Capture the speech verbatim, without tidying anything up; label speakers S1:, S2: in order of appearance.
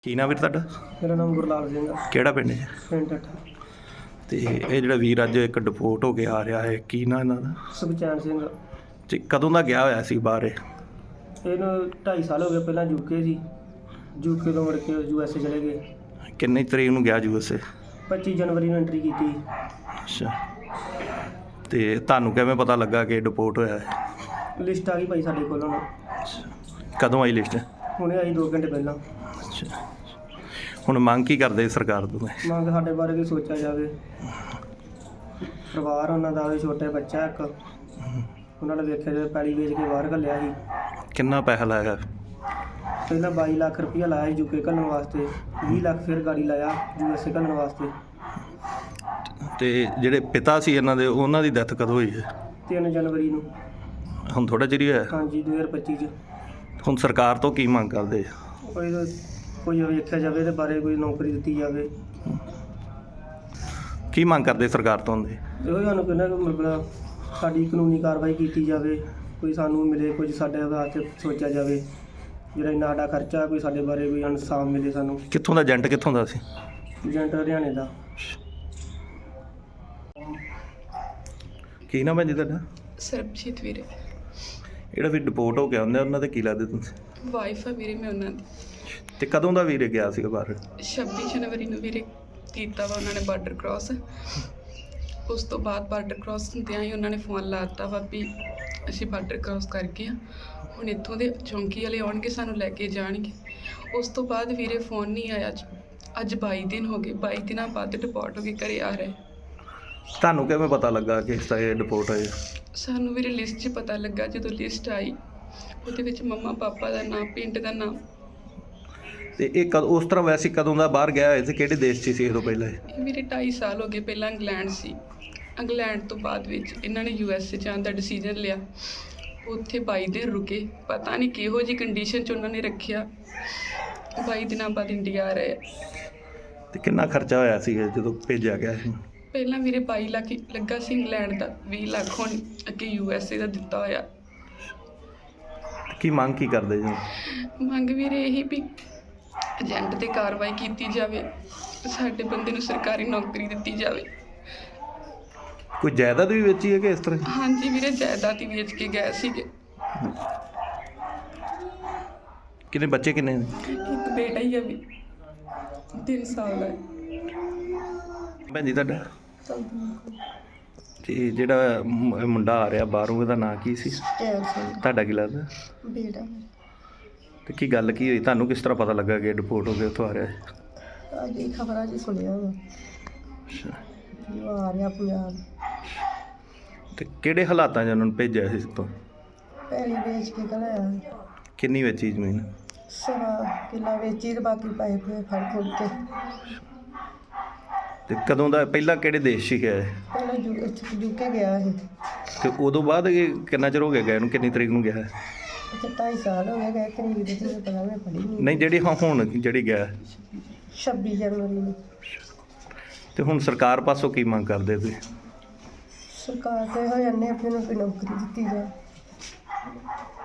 S1: ਕੀ ਨਾਮ ਵੀਰ ਤੁਹਾਡਾ?
S2: ਮੇਰਾ ਨਾਮ ਗੁਰਲਾਲ ਸਿੰਘ ਆ।
S1: ਕਿਹੜਾ ਪਿੰਡ ਹੈ?
S2: ਪਿੰਡ ਠੱਠਾ।
S1: ਤੇ ਇਹ ਜਿਹੜਾ ਵੀਰ ਅੱਜ ਇੱਕ ਡਿਪੋਰਟ ਹੋ ਕੇ ਆ ਰਿਹਾ ਹੈ, ਕੀ ਨਾਂ ਇਹਨਾਂ ਦਾ?
S2: ਸੁਖਚੈਨ ਸਿੰਘ।
S1: ਤੇ ਕਦੋਂ ਦਾ ਗਿਆ ਹੋਇਆ ਸੀ ਬਾਹਰ ਇਹ?
S2: ਇਹਨੂੰ ਢਾਈ ਸਾਲ ਹੋ ਗਏ। ਪਹਿਲਾਂ ਯੂਕੇ ਸੀ, ਯੂਕੇ ਤੋਂ ਮੁੜ ਕੇ ਯੂ ਐਸ ਏ ਚਲੇ ਗਏ।
S1: ਕਿੰਨੀ ਤਰੀਕ ਨੂੰ ਗਿਆ ਯੂ ਐਸ ਏ?
S2: ਪੱਚੀ ਜਨਵਰੀ ਨੂੰ ਐਂਟਰੀ ਕੀਤੀ।
S1: ਅੱਛਾ। ਤੇ ਤੁਹਾਨੂੰ ਕਿਵੇਂ ਪਤਾ ਲੱਗਾ ਕਿ ਡਿਪੋਰਟ ਹੋਇਆ ਹੈ?
S2: ਲਿਸਟ ਆ ਗਈ ਭਾਈ ਸਾਡੇ ਕੋਲ ਹੁਣ।
S1: ਕਦੋਂ ਆਈ ਲਿਸਟ?
S2: ਹੁਣੇ ਆਈ ਦੋ ਘੰਟੇ ਪਹਿਲਾਂ।
S1: ਅੱਛਾ। ਹੁਣ ਮੰਗ ਕੀ ਕਰਦੇ ਸਰਕਾਰ ਤੋਂ?
S2: ਮੰਗ ਸਾਡੇ ਬਾਰੇ ਵੀ ਸੋਚਿਆ ਜਾਵੇ। ਪਰਿਵਾਰ ਉਹਨਾਂ ਦਾ ਵੀ, ਛੋਟੇ ਬੱਚਾ ਇੱਕ, ਉਹਨਾਂ ਨੇ ਵੇਖਿਆ ਜਾਵੇ ਪੈਲੀ ਵੇਚ ਕੇ ਬਾਹਰ ਘੱਲਿਆ ਸੀ।
S1: ਕਿੰਨਾ ਪੈਸਾ ਲਾਇਆ?
S2: ਪਹਿਲਾਂ ਬਾਈ ਲੱਖ ਰੁਪਈਆ ਲਾਇਆ ਸੀ ਯੂਕੇ ਘੱਲਣ ਵਾਸਤੇ, ਵੀਹ ਲੱਖ ਫਿਰ ਗਾੜੀ ਲਾਇਆ ਯੂ ਐਸ ਏ ਘੱਲਣ ਵਾਸਤੇ।
S1: ਤੇ ਜਿਹੜੇ ਪਿਤਾ ਸੀ ਇਹਨਾਂ ਦੇ, ਉਹਨਾਂ ਦੀ ਡੈਥ ਕਦੋਂ ਹੋਈ ਹੈ?
S2: ਤਿੰਨ ਜਨਵਰੀ ਨੂੰ।
S1: ਹੁਣ ਥੋੜ੍ਹਾ ਚਿਰ ਹੀ ਹੋਇਆ?
S2: ਹਾਂਜੀ, ਦੋ ਹਜ਼ਾਰ ਪੱਚੀ 'ਚ।
S1: ਹੁਣ ਸਰਕਾਰ ਤੋਂ ਕੀ ਮੰਗ ਕਰਦੇ?
S2: ਕੋਈ ਕੋਈ ਵੇਖਿਆ ਜਾਵੇ ਇਹਦੇ ਬਾਰੇ, ਕੋਈ ਨੌਕਰੀ ਦਿੱਤੀ ਜਾਵੇ।
S1: ਕੀ ਮੰਗ ਕਰਦੇ ਸਰਕਾਰ ਤੋਂ ਹੁੰਦੇ?
S2: ਇਹੋ ਸਾਨੂੰ ਕਹਿੰਦਾ ਕਿ ਮਤਲਬ ਸਾਡੀ ਕਾਨੂੰਨੀ ਕਾਰਵਾਈ ਕੀਤੀ ਜਾਵੇ, ਕੋਈ ਸਾਨੂੰ ਮਿਲੇ, ਕੁਝ ਸਾਡੇ ਵਾਸਤੇ ਸੋਚਿਆ ਜਾਵੇ। ਜਿਹੜਾ ਇੰਨਾ ਸਾਡਾ ਖਰਚਾ, ਕੋਈ ਸਾਡੇ ਬਾਰੇ ਕੋਈ ਇਨਸਾਫ ਮਿਲੇ ਸਾਨੂੰ।
S1: ਕਿੱਥੋਂ ਦਾ ਏਜੰਟ? ਕਿੱਥੋਂ ਦਾ ਸੀ
S2: ਏਜੰਟ? ਹਰਿਆਣੇ ਦਾ।
S1: ਕੀ ਨਾਮ ਹੈ ਜੀ ਤੁਹਾਡਾ?
S3: ਸਰਬਜੀਤ ਵੀਰੇ।
S1: ਜਿਹੜਾ ਵੀ ਡਿਪੋਰਟ ਹੋ ਗਿਆ ਹੁੰਦਾ, ਉਹਨਾਂ ਦੇ ਕੀ ਲੱਗਦੇ ਤੁਸੀਂ?
S3: ਵਾਈਫ ਆ ਵੀਰੇ ਮੈਂ ਉਹਨਾਂ ਦੀ।
S1: ਤੇ ਕਦੋਂ ਦਾ ਵੀਰੇ ਗਿਆ ਸੀਗਾ ਬਾਹਰ?
S3: ਛੱਬੀ ਜਨਵਰੀ ਨੂੰ ਵੀਰੇ ਕੀਤਾ ਵਾ ਉਹਨਾਂ ਨੇ ਬਾਰਡਰ ਕ੍ਰਾਸ। ਉਸ ਤੋਂ ਬਾਅਦ ਬਾਰਡਰ ਕ੍ਰਾਸ ਹੁੰਦਿਆਂ ਹੀ ਉਹਨਾਂ ਨੇ ਫੋਨ ਲਾ ਦਿੱਤਾ ਵਾ ਵੀ ਅਸੀਂ ਬਾਰਡਰ ਕ੍ਰਾਸ ਕਰ ਗਏ ਹਾਂ, ਹੁਣ ਇੱਥੋਂ ਦੇ ਚੌਂਕੀ ਵਾਲੇ ਆਉਣਗੇ, ਸਾਨੂੰ ਲੈ ਕੇ ਜਾਣਗੇ। ਉਸ ਤੋਂ ਬਾਅਦ ਵੀਰੇ ਫੋਨ ਨਹੀਂ ਆਇਆ। ਅੱਜ ਬਾਈ ਦਿਨ ਹੋ ਗਏ, ਬਾਈ ਦਿਨਾਂ ਬਾਅਦ ਡਿਪੋਰਟ ਹੋ ਕੇ ਘਰੇ ਆ ਰਹੇ।
S1: ਤੁਹਾਨੂੰ ਕਿਵੇਂ ਪਤਾ ਲੱਗਾ ਕਿ ਇਸ ਤਰ੍ਹਾਂ ਇਹ ਡਿਪੋਰਟ ਹੋਏ?
S3: ਸਾਨੂੰ ਵੀਰੇ ਲਿਸਟ 'ਚ ਪਤਾ ਲੱਗਾ, ਜਦੋਂ ਲਿਸਟ ਆਈ ਉਹਦੇ ਵਿੱਚ ਮੰਮਾ ਪਾਪਾ ਦਾ ਨਾਮ, ਪਿੰਡ ਦਾ ਨਾਮ।
S1: ਤੇ ਇਹ ਕਦ ਉਸ ਤਰ੍ਹਾਂ ਵੈਸੇ ਕਦੋਂ ਦਾ ਬਾਹਰ ਗਿਆ ਹੋਇਆ ਸੀ? ਕਿਹੜੇ ਦੇਸ਼ 'ਚ ਸੀ ਇਹ ਤੋਂ ਪਹਿਲਾਂ?
S3: ਇਹ ਮੇਰੇ ਢਾਈ ਸਾਲ ਹੋ ਗਏ। ਪਹਿਲਾਂ ਇੰਗਲੈਂਡ ਸੀ, ਇੰਗਲੈਂਡ ਤੋਂ ਬਾਅਦ ਵਿੱਚ ਇਹਨਾਂ ਨੇ ਯੂ ਐਸ ਏ ਜਾਣ ਦਾ ਡਿਸੀਜਨ ਲਿਆ। ਉੱਥੇ ਬਾਈ ਦਿਨ ਰੁਕੇ, ਪਤਾ ਨਹੀਂ ਕਿਹੋ ਜਿਹੀ ਕੰਡੀਸ਼ਨ 'ਚ ਉਹਨਾਂ ਨੇ ਰੱਖਿਆ। ਬਾਈ ਦਿਨਾਂ ਬਾਅਦ ਇੰਡੀਆ ਆ ਰਹੇ।
S1: ਤੇ ਕਿੰਨਾ ਖਰਚਾ ਹੋਇਆ ਸੀ ਜਦੋਂ ਭੇਜਿਆ ਗਿਆ ਸੀ?
S3: ਪਹਿਲਾਂ ਵੀਰੇ ਬਾਈ ਲੱਖ ਲੱਗਾ ਸੀ ਇੰਗਲੈਂਡ ਦਾ, ਵੀਹ ਲੱਖ ਹੁਣ ਅੱਗੇ ਯੂ ਐਸ ਏ ਦਾ ਦਿੱਤਾ ਹੋਇਆ।
S1: ਕੀ ਮੰਗ ਕੀ ਕਰਦੇ ਜੀ?
S3: ਮੰਗ ਵੀਰੇ ਇਹੀ ਵੀ ਏਜੰਟ 'ਤੇ ਕਾਰਵਾਈ ਕੀਤੀ ਜਾਵੇ, ਸਾਡੇ ਬੰਦੇ ਨੂੰ ਸਰਕਾਰੀ ਨੌਕਰੀ ਦਿੱਤੀ ਜਾਵੇ।
S1: ਕੋਈ ਜਾਇਦਾਦ ਵੀ ਵੇਚੀ ਹੈ ਕਿ ਇਸ ਤਰ੍ਹਾਂ?
S3: ਹਾਂਜੀ ਵੀਰੇ, ਜਾਇਦਾਦ ਹੀ ਵੇਚ ਕੇ ਗਏ ਸੀਗੇ।
S1: ਕਿੰਨੇ ਬੱਚੇ? ਕਿੰਨੇ?
S3: ਇੱਕ ਬੇਟਾ ਹੀ ਆ ਵੀ, ਤਿੰਨ ਸਾਲ ਦਾ।
S1: ਭੈਣ ਜੀ ਤੁਹਾਡਾ? ਤੇ ਜਿਹੜਾ ਮੁ- ਮੁੰਡਾ ਆ ਰਿਹਾ ਬਾਹਰੋਂ, ਇਹਦਾ ਨਾਂ ਕੀ ਸੀ?
S4: ਸੁਖਚੈਨ ਸਿੰਘ
S1: ਤੁਹਾਡਾ ਕੀ ਲੱਗਦਾ?
S4: ਬੇਟਾ।
S1: ਤੇ ਕੀ ਗੱਲ ਕੀ ਹੋਈ? ਤੁਹਾਨੂੰ ਕਿਸ ਤਰ੍ਹਾਂ ਪਤਾ ਲੱਗਾ ਕਿ ਡਿਪੋਰਟ ਹੋ ਕੇ ਉੱਥੋਂ ਆ ਰਿਹਾ ਹੈ?
S4: ਅੱਜ ਹੀ ਖਬਰਾਂ 'ਚ ਸੁਣਿਆ ਵਾ
S1: ਅੱਛਾ।
S4: ਵੀ ਉਹ ਆ ਰਿਹਾ ਪੰਜਾਬ।
S1: ਤੇ ਕਿਹੜੇ ਹਾਲਾਤਾਂ 'ਚ ਉਹਨਾਂ ਨੂੰ ਭੇਜਿਆ ਸੀ ਤੋਂ?
S4: ਪੈਲੀ ਵੇਚ ਕੇ ਘਲਾਇਆ।
S1: ਕਿੰਨੀ ਵੇਚੀ ਜ਼ਮੀਨ?
S4: ਸਵਾ ਕਿੱਲਾ ਵੇਚੀ ਤੇ ਬਾਕੀ ਪੈਸੇ ਪੂਏ ਫੜ ਫੁੜ ਕੇ।
S1: ਤੇ ਕਦੋਂ ਦਾ? ਪਹਿਲਾਂ ਕਿਹੜੇ ਦੇਸ਼ 'ਚ ਗਿਆ ਹੈ?
S4: ਪਹਿਲਾਂ ਯੂ ਇੱਥੇ ਯੂਕੇ ਗਿਆ ਸੀ।
S1: ਤੇ ਉਦੋਂ ਬਾਅਦ ਇਹ ਕਿੰਨਾ ਚਿਰ ਹੋ ਗਿਆ ਗਏ ਨੂੰ? ਕਿੰਨੀ ਤਰੀਕ ਨੂੰ ਗਿਆ ਹੈ?
S4: ਇੱਥੇ ਢਾਈ ਸਾਲ ਹੋ ਗਏ ਗਏ। ਤਰੀਕ ਦੇ ਤੁਹਾਨੂੰ ਪਤਾ ਮੈਂ ਪੜ੍ਹੀ ਨਹੀਂ।
S1: ਨਹੀਂ, ਜਿਹੜੀ ਹਾਂ ਹੁਣ ਜਿਹੜੀ ਗਿਆ ਹੈ।
S4: ਛੱਬੀ ਜਨਵਰੀ ਨੂੰ।
S1: ਤੇ ਹੁਣ ਸਰਕਾਰ ਪਾਸੋਂ ਕੀ ਮੰਗ ਕਰਦੇ ਤੁਸੀਂ?
S4: ਸਰਕਾਰ ਤੇ ਹੋ ਜਾਂਦੇ ਆਪਣੇ ਨੂੰ ਕੋਈ ਨੌਕਰੀ ਦਿੱਤੀ ਜਾਏ।